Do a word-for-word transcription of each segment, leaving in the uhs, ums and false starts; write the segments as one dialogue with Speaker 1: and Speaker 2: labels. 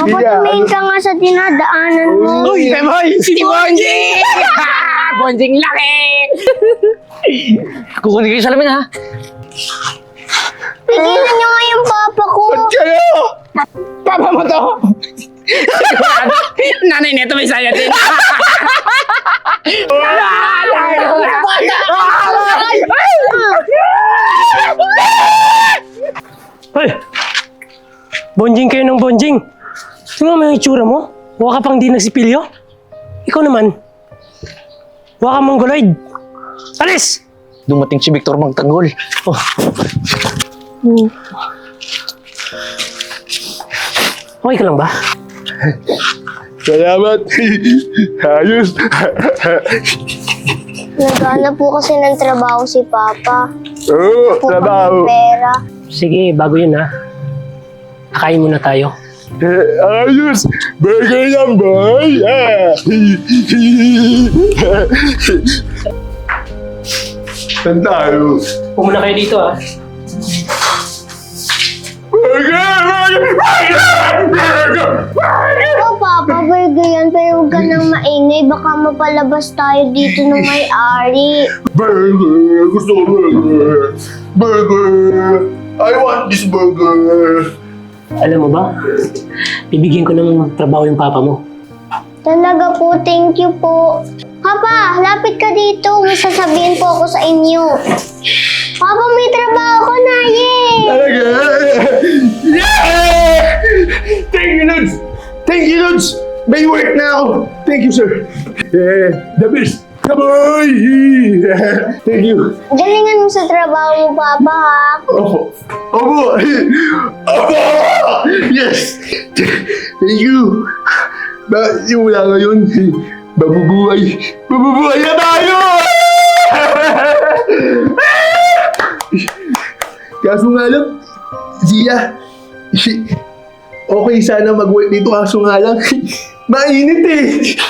Speaker 1: Papa, tumingin ka nga sa dinadaanan mo.
Speaker 2: Uy, Pemoy! Si Bonjing! Bonjing laki! Kukunin kayo sa lamin, ha?
Speaker 1: Tigilan niyo nga yung papa ko.
Speaker 2: Ba't kayo? Papa mo to! Nanay neto may saya din.
Speaker 3: Hoy! Bonjing kayo ng bonjing. Tingnan mo yung itsura mo. Huwag ka pang di nagsipilyo. Ikaw naman. Huwag ka mongoloid. Alis!
Speaker 2: Dumating si Victor magtanggol.
Speaker 3: Oh. Okay ka lang ba?
Speaker 4: Salamat. Ayos.
Speaker 1: Naghanap po kasi ng trabaho si Papa.
Speaker 4: Oo,
Speaker 1: Po
Speaker 4: trabaho.
Speaker 1: kami pera.
Speaker 3: Sige, bago yun ha. Kakain muna tayo.
Speaker 4: Eh, ayos. Burger yan, boy. Ah. Saan tayo?
Speaker 3: Pumuna kayo dito ha.
Speaker 4: Burger! Burger! Burger!
Speaker 1: Oo, Papa, burger yan. Pero huwag ka nang maingay. Baka mapalabas tayo dito ng may-ari.
Speaker 4: Burger! Gusto ko burger! Burger! I want this burger!
Speaker 3: Alam mo ba? Bibigyan ko ng trabaho yung papa mo.
Speaker 1: Talaga po, thank you po. Papa, lapit ka dito. May sasabihin po ako sa inyo. Papa, may trabaho ko na, yay!
Speaker 4: Talaga? Yeah! Thank you, Lods! Thank you, Lods! May work na ako! Thank you, sir! Yeah, the best! Come on! Thank you!
Speaker 1: Galingan mo sa trabaho mo, Papa, ha?
Speaker 4: Opo! Opo! Opo! Yes! Thank you! Ba, yung wala ngayon, mabubuhay! Mabubuhay na tayo! Kaso nga lang, Zia, okay sana mag-work dito kaso nga lang, mainit eh!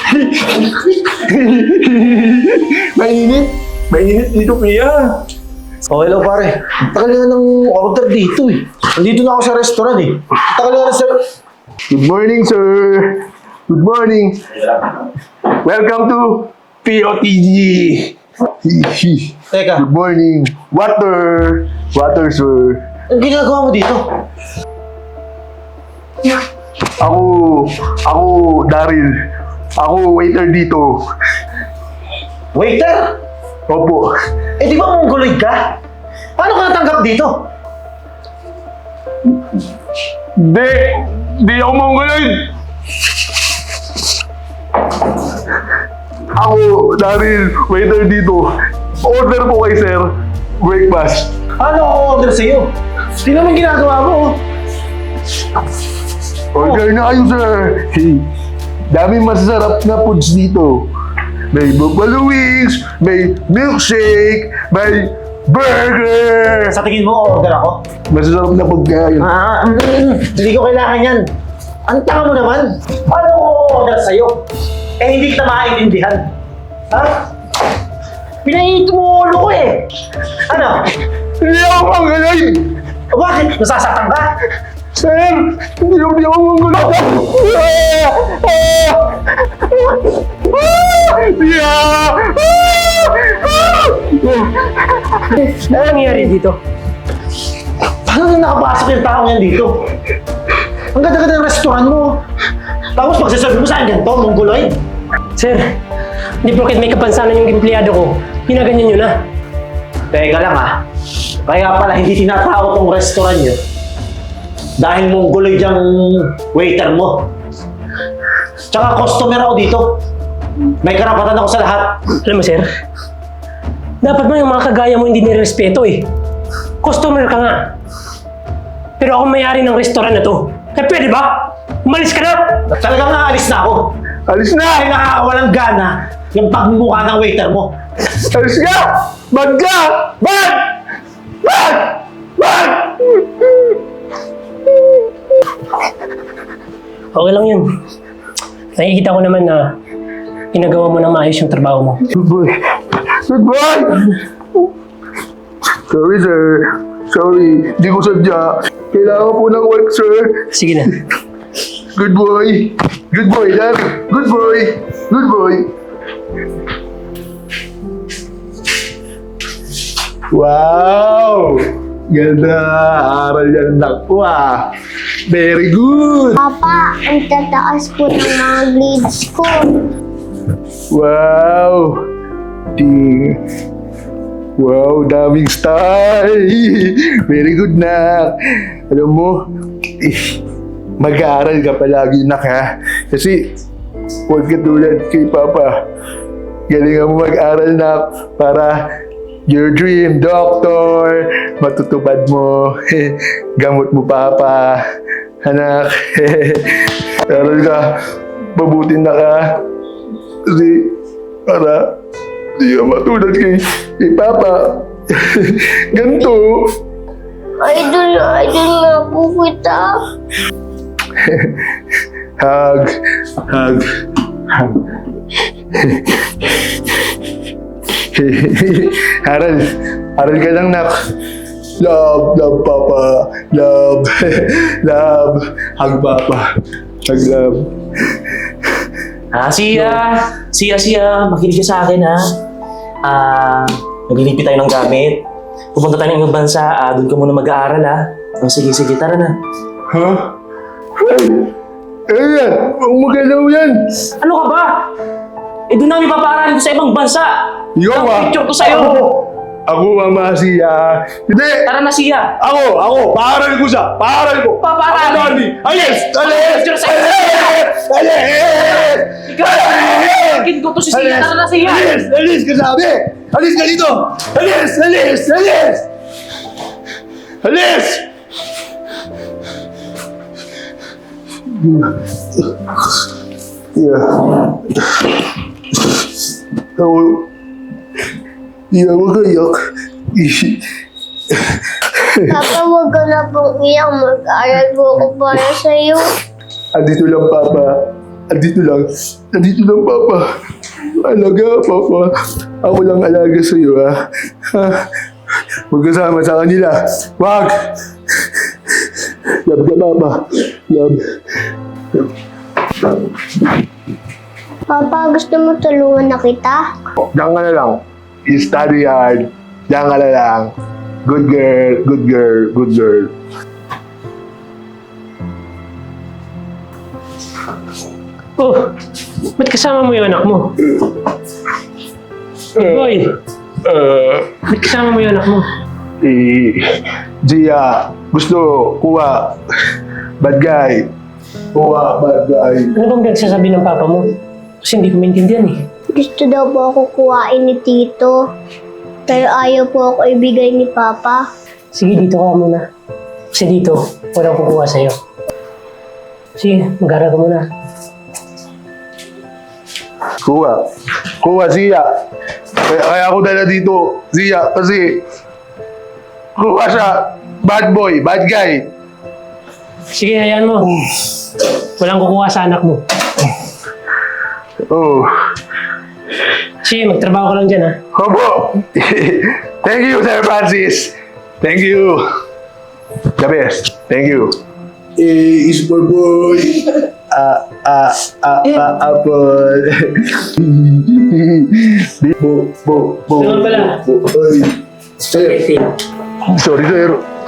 Speaker 4: Mainit! Mainit dito, Pia!
Speaker 5: Oh, hello pare. Tagal na ng order dito eh. Nandito na ako sa restaurant eh. Tagal na sa...
Speaker 4: Good morning, sir! Good morning! Welcome to P O T G!
Speaker 5: Teka,
Speaker 4: Good morning! Water! Water, sir!
Speaker 5: ang ginagawa mo dito?
Speaker 4: Ako, ako, Daryl. Ako, waiter dito.
Speaker 5: Waiter?
Speaker 4: Opo.
Speaker 5: Eh di ba mongoloid ka? Paano ka natanggap dito?
Speaker 4: Di, di ako mongoloid. Ako, Daryl, waiter dito. Order po kay sir. Breakfast.
Speaker 5: Paano ako order sa'yo? Di naman ginagawa mo oh.
Speaker 4: Order na kayo, sir. Daming masasarap na foods dito. May buffalo wings, may milkshake, may burger.
Speaker 5: Sa tingin mo, order ako?
Speaker 4: Masasarap na pagkain.
Speaker 5: Ah, mm, hindi ko kailangan yan. Ang tanga mo naman. Paano ko order sa'yo? Eh hindi kita maintindihan. Ha? Pinainit mo ulo ko eh. Ano?
Speaker 4: Hindi ako mongoloid.
Speaker 5: Bakit? Nasasaktan ka?
Speaker 4: Sir, hindi ako di ako mongoloid. Yeah!
Speaker 3: Ano nangyayari dito?
Speaker 5: Paano na nakapasok yung taong yan dito? Ang ganda-ganda ng restaurant mo. Tapos magsasabi mo sa akin ganito, mongoloid.
Speaker 3: Sir, hindi porket may kapansanan yung empleyado ko, pinaganyan nyo na.
Speaker 5: Teka lang ah. Kaya pala hindi tinatawag tong restaurant nyo. Dahil mongoloid yung waiter mo. Tsaka customer ako dito. May karapatan ako sa lahat.
Speaker 3: Alam mo, sir, dapat mo yung mga kagaya mo hindi nirespeto eh. Customer ka nga. Pero ako may-ari ng restaurant na to. Kaya pwede ba? Umalis ka na!
Speaker 5: Talagang naalis na ako.
Speaker 4: Alis na!
Speaker 5: Dahil nakakawalang gana yung pagmumukha ng waiter mo.
Speaker 4: Alis ka! Bag ka! Bag! Bag! Bag!
Speaker 3: Okay lang yun. Nakikita ko naman na ginagawa mo ng maayos yung trabaho mo.
Speaker 4: Good boy. Good boy! Sorry, sir. Sorry. Di ko sadya. Kailangan po ng work, sir.
Speaker 3: Sige na.
Speaker 4: Good boy. Good boy, Dad. Good boy. Good boy. Wow! Ganda! Aral yan anak ko ah. Very good!
Speaker 1: Papa, ang tataas po ng mga grades ko.
Speaker 4: Wow! Di... Wow, daming star! Very good na! Alam mo, eh, mag-aaral ka palagi nak ha. Kasi, huwag ka tulad kay Papa. Galingan mo mag-aral na para your dream, doctor, matutupad mo. Gamot mo, Papa. Anak, aral ka. Mabuti na ka. Kasi, para di ka matulad kay, kay Papa. Ganito.
Speaker 1: Idol na idol nga po kita.
Speaker 4: Hug. Hug. Hug. Aral. Aral ka lang, nak. Love, love, Papa. Love. Love. Hug, Papa. Hug, love.
Speaker 6: Ah, siya, siya, siya, makinig ka sa akin ha. Ah, naglilipi tayo ng gamit. Pupunta tayo ng ibang bansa, ah, doon ka muna mag-aaral ha. Oh, sige, sige, tara na.
Speaker 4: Ha? Ay! Ay yan! Huwag magalaw yan!
Speaker 6: Ano ka ba? Eh, doon namin papaaralin ko sa ibang bansa.
Speaker 4: Yo,
Speaker 6: Ang
Speaker 4: ah!
Speaker 6: picture ko sa'yo.
Speaker 4: Ako! Ako ang masiya! Hindi!
Speaker 6: Tara na siya.
Speaker 4: Ako! Ako! Paaral ko siya! Paaral ko!
Speaker 6: Papaaralin.
Speaker 4: Ako, Daddy! Alis! Alis!
Speaker 6: Picture sa'yo.
Speaker 4: Alis! Alis!
Speaker 6: Ikaw! Akin ko to si siya. Tara na siya.
Speaker 4: Alis! Alis ka sabi! Alis ka dito! Alis! Alis! Alis! Alis! Yeah. Ako... Yeah, huwag ka iyak.
Speaker 1: Papa, huwag ka na pong iyak. Mag-aaral po ako para sa'yo.
Speaker 4: Andito lang, Papa. Andito lang. Andito lang, Papa. Alaga, Papa. Ako lang alaga sa'yo, ha? Ha? Huwag kasama sa kanila. Wag! Love ka, Papa. Love.
Speaker 1: Papa, gusto mo tulungan na kita?
Speaker 4: Diyan ka na lang. Study hard. Diyan ka na lang. Good girl, good girl, good girl.
Speaker 3: Oh, ba't kasama mo yung anak mo? Boy,
Speaker 4: Uh,
Speaker 3: ba't kasama mo yung anak mo?
Speaker 4: eh, Gia, gusto, kuha. Bad guy. Kuha, bad guy.
Speaker 3: Ano bang nagsasabi ng papa mo? Kasi hindi ko maintindihan eh.
Speaker 1: Gusto daw po ako kuhain ni Tito. Pero ayaw po ako ibigay ni Papa.
Speaker 3: Sige, dito ka muna. Kasi dito, walang kukuha sa'yo. Sige, mag-aaral ka muna.
Speaker 4: Kuha. Kuha, Zia. Kaya, kaya ako dala dito, Zia, kasi kuha siya. Bad boy, bad guy.
Speaker 3: Sige, hayaan mo. Walang kukuha sa anak mo.
Speaker 4: Oh.
Speaker 3: Sige, magtrabaho ka lang dyan ha.
Speaker 4: Opo. Thank you, Sir Francis. Thank you. The best. Thank you. Eh, is boy boy. Ah, ah, ah, ah, apple. Bo, bo, bo.
Speaker 3: Ano pala?
Speaker 4: bo, Ay. Sir. Sorry, sir.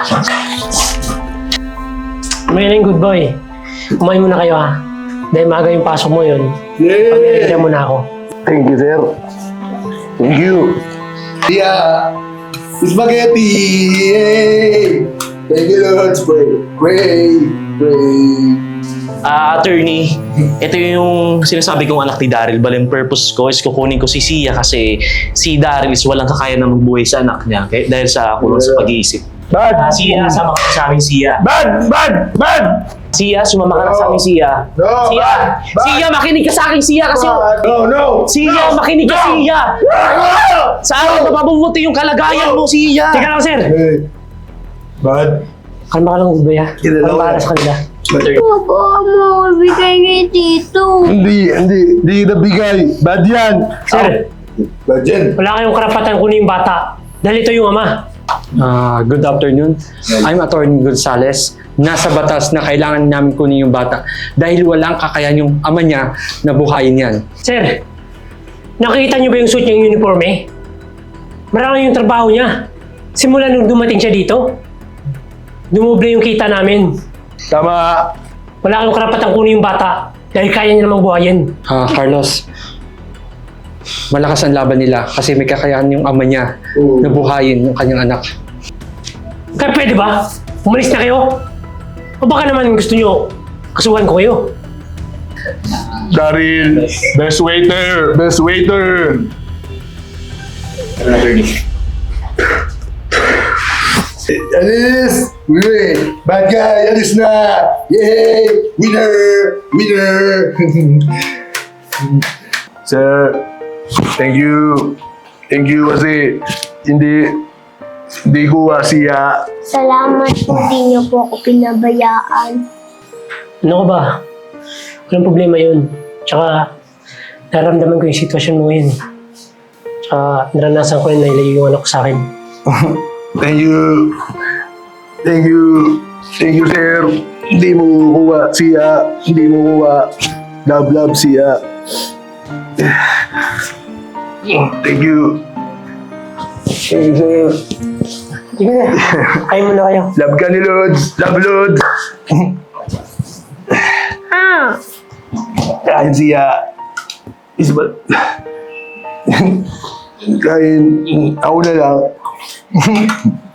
Speaker 3: May na yung good boy. Kumain muna kayo ha. Dahil maaga yung pasok mo yun.
Speaker 4: Yeah.
Speaker 3: Pag-iintihan mo na ako.
Speaker 4: Thank you, sir. Thank you. Yeah. Spaghetti! Yay! Thank you, Lord. Pray. Pray. Pray.
Speaker 6: Ah, attorney, ito yung sinasabi kong anak ni Daryl. Bali, yung purpose ko is kukunin ko si Sia kasi si Daryl is walang kakaya na magbuhay sa anak niya kaya, dahil sa kulong sa pag-iisip.
Speaker 4: Bad!
Speaker 6: Ah, Sia, sama ka sa amin, Sia.
Speaker 4: Bad! Bad! Bad!
Speaker 6: Sia, sumama ka na sa amin, Sia.
Speaker 4: No,
Speaker 6: Sia!
Speaker 4: bad, bad.
Speaker 6: Sia, makinig ka sa akin, Sia, kasi...
Speaker 4: No, no!
Speaker 6: Sia, makinig ka, Sia! Sa akin, mapapabuti yung kalagayan mo, Sia!
Speaker 3: Teka lang, sir!
Speaker 4: Hey. Bad?
Speaker 3: Kalma ka lang, good boy ha.
Speaker 4: Kilala
Speaker 3: Walang
Speaker 4: ko
Speaker 3: para
Speaker 4: yan.
Speaker 3: sa kanila.
Speaker 1: Papa, mo ibigay kay Tito.
Speaker 4: Hindi, hindi. Hindi nabigay. Bad yan.
Speaker 3: Sir,
Speaker 4: Bad yan.
Speaker 3: wala kayong karapatan kunin yung bata. Dahil ito yung ama.
Speaker 2: Ah, good afternoon. I'm Attorney Gonzales. nasa batas na kailangan namin kunin yung bata dahil walang kakayan yung ama niya na buhayin yan.
Speaker 3: Sir, nakikita niyo ba yung suit niyang uniforme? Marami yung trabaho niya. Simula nung dumating siya dito, dumoble yung kita namin.
Speaker 4: Tama.
Speaker 3: Wala kang karapatang kunin yung bata dahil kaya niya namang buhayin.
Speaker 2: Ah, Carlos, malakas ang laban nila kasi may kakayahan yung ama niya na buhayin yung kanyang anak.
Speaker 3: Kaya pwede ba? Umalis na kayo? O baka naman gusto niyo kasuhan ko kayo?
Speaker 4: Daryl, best waiter, best waiter. Alis! Uy! Bad guy! Alis na! Yay! Winner! Winner! Sir, thank you. Thank you kasi hindi hindi ko siya.
Speaker 1: Salamat po, di niyo po ako pinabayaan.
Speaker 3: Ano ka ba? Walang problema yun. Tsaka, naramdaman ko yung sitwasyon mo ngayon. Tsaka, naranasan ko rin na ilayo yung anak ko sa akin.
Speaker 4: Thank you. Thank you. Thank you, sir. Hindi mo kuha siya. Hindi mo kuha. Love, love siya. Thank you. Thank you, sir.
Speaker 3: Sige na. Kain muna kayo.
Speaker 4: Love ka ni Lods. Love, Lods.
Speaker 1: Ah,
Speaker 4: Kain siya. Is ba? Kain. Ako na lang.